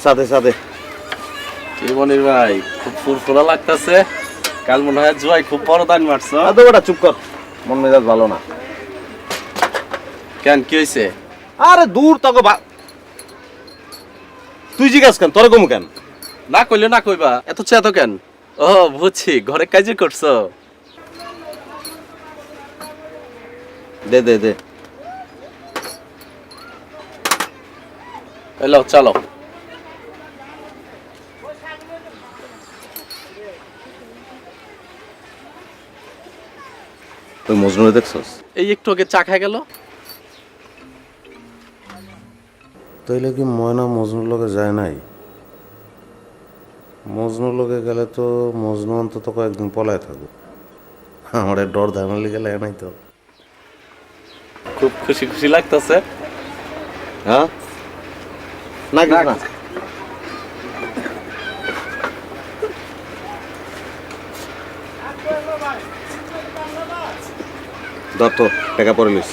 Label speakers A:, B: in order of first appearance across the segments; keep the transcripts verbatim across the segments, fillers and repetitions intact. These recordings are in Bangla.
A: সাথে সাথে
B: কি মনির ভাই খুব ফুরফুরা লাগতেছে। কাল মনে হয় জুয়াই খুব বড় দান মারছো।
A: আদো বেটা চুপ কর, মন মেজাজ ভালো না।
B: কেন কি হইছে?
A: আরে দূর তোকে তুই জিজ্ঞাস কেন, তোর কমু কেন?
B: না কইলে না কইবা, এত চেতো কেন? ও বুঝছি, ঘরে কাজে করছো।
A: দে দে দে
B: এলো চলো।
A: তুই মজনুরে দেখছস?
B: এই একটু আগে চা খাই গেল।
C: তাইলে কি ময়না মজনুর লগে যায় নাই? মজনুর লগে গেলে তো মজনু অন্তত কয়েকদিন পলায় থাকবো। আমার ডর ধামালি গেলে নাই তো।
B: খুব খুশি খুশি লাগতেছে।
A: হ্যাঁ না কিছু না। ধর তো টাকা পরে লিস।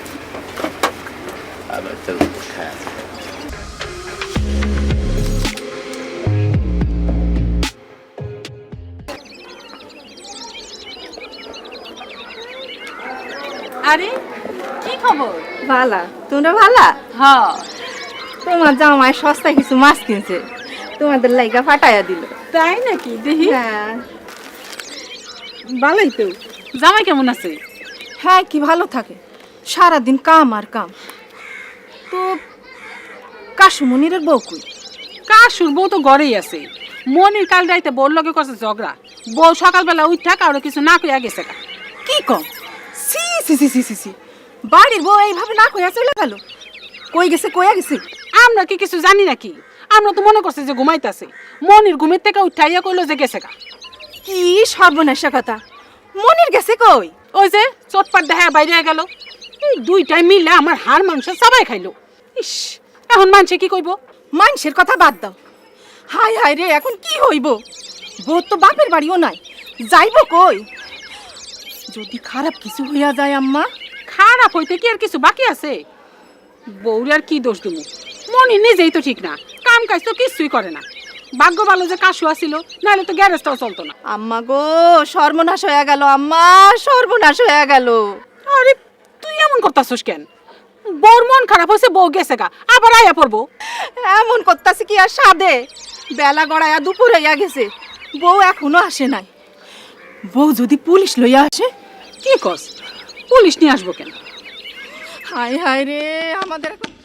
D: আরে কি খবর?
E: ভালা, তোমরা ভালা?
D: হ্যাঁ
E: তোমার জামাই সস্তায় কিছু মাছ কিনছে, তোমাদের লাইগা ফাটাইয়া দিল।
D: তাই নাকি? দেখি।
E: হ্যাঁ
D: ভালোই তো। জামাই কেমন আছে?
E: হ্যাঁ কি ভালো থাকে, সারাদিন কাম আর কাম। তো কাশুমনিরের বউ কই?
D: কাশুর বউ তো ঘরেই আছে। মনির কাল রাইতে বউর লগে করছে ঝগড়া। বউ সকালবেলা উঠা কারো কিছু না কইয়া গেছে গা।
E: কি কম? সি সি সি সি সি সি বাড়ির বউ এইভাবে না কইয়া চলে গেল? কই গেছে, কইয়া গেছে?
D: আমরা কি কিছু জানি নাকি? আমরা তো মনে করছি যে ঘুমাইতেছে। মনির ঘুমের থেকে উঠাইয়া কইলো যে গেছে গা।
E: কি সর্বনাশা কথা! মনির গেছে কই?
D: ওই যে চটপাট দেখা বাইরে গেল। এই দুইটাই মিলে আমার হাড় মাংস সবাই খাইলো। ইস, এখন মানুষে কি কইব?
E: মানুষের কথা বাদ দাও। হাই হাই রে, এখন কি হইব? বউ তো বাপের বাড়িও নাই, যাইব কই? যদি খারাপ কিছু হইয়া যায় আম্মা?
D: খারাপ হইতে কি আর কিছু বাকি আছে? বউর আর কি দোষ দেবো? মনি নিজেই তো ঠিক না, কাম কাজ তো কিছুই করে না। ভাগ্য ভালো যে কাশু আসিল, নাহলে তো গ্যারেজটাও চলতো না।
E: আম্মা গো, সর্বনাশ হয়ে গেল আম্মা, সর্বনাশ হয়ে গেল।
D: আরে তুই এমন করতাছিস কেন? বউর মন খারাপ হয়েছে, বউ গেছে গা, আবার আয়া পড়বো।
E: এমন করতাছে কি আর সাদে? বেলা গড়াইয়া দুপুর হইয়া গেছে, বউ এখনো আসে নাই। বউ যদি পুলিশ লইয়া আসে?
D: কি কস? পুলিশ নিয়ে আসবো কেন?
E: হায় হায় রে, আমাদের এখন